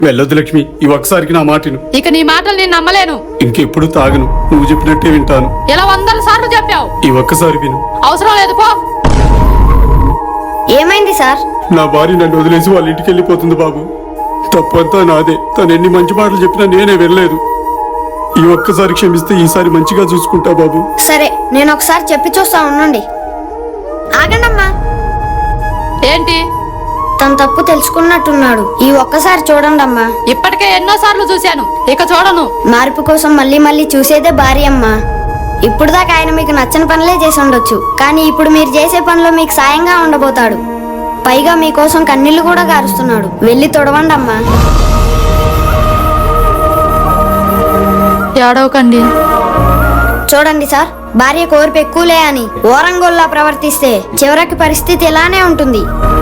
వెళ్ళొద్దు లక్ష్మి, ఈ ఒక్కసారికి నా మాటను. ఇక నీ మాటలు నేను నమ్మలేను. ఇంకెప్పుడు తాగను, నువ్వు చెప్పినట్టే వింటాను. ఇలా 100 సార్లు చెప్పావు. ఈ ఒక్కసారి విను. అవసరం లేదు, పో. ఏమైంది సార్? నా భార్య నన్ను వదిలేసి వాళ్ళ ఇంటికి వెళ్ళిపోతుంది బాబు. తప్పంతా నాదే. తను ఎన్ని మంచి మాటలు చెప్పినా నేనే వినలేదు. ఈ ఒక్కసారి క్షమిస్తే ఈసారి మంచిగా చూసుకుంటా బాబు. సరే, నేను ఒకసారి చెప్పి చూస్తా, ఉండండి. ఆగండమ్మా. ఏంటి? తను తప్పు తెలుసుకున్నట్టున్నాడు. ఈ ఒక్కసారి చూడండి అమ్మా. ఇప్పటికే ఎన్నో సార్లు చూశాను, ఇక చూడను. మార్పు కోసం మళ్ళీ మళ్ళీ చూసేదే భార్య అమ్మా. ఇప్పుడు దాకా ఆయన మీకు నచ్చని పనులే చేసి ఉండొచ్చు, కానీ ఇప్పుడు మీరు చేసే పనిలో మీకు సాయంగా ఉండబోతాడు. పైగా మీకోసం కన్నీళ్లు కూడా గారుస్తున్నాడు. వెళ్ళి తొడవండి అమ్మా. ఏడవకండి. చూడండి సార్, భార్య కోరిపు ఎక్కువలే అని ఓరంగోల్లా ప్రవర్తిస్తే చివరికి పరిస్థితి ఇలానే ఉంటుంది.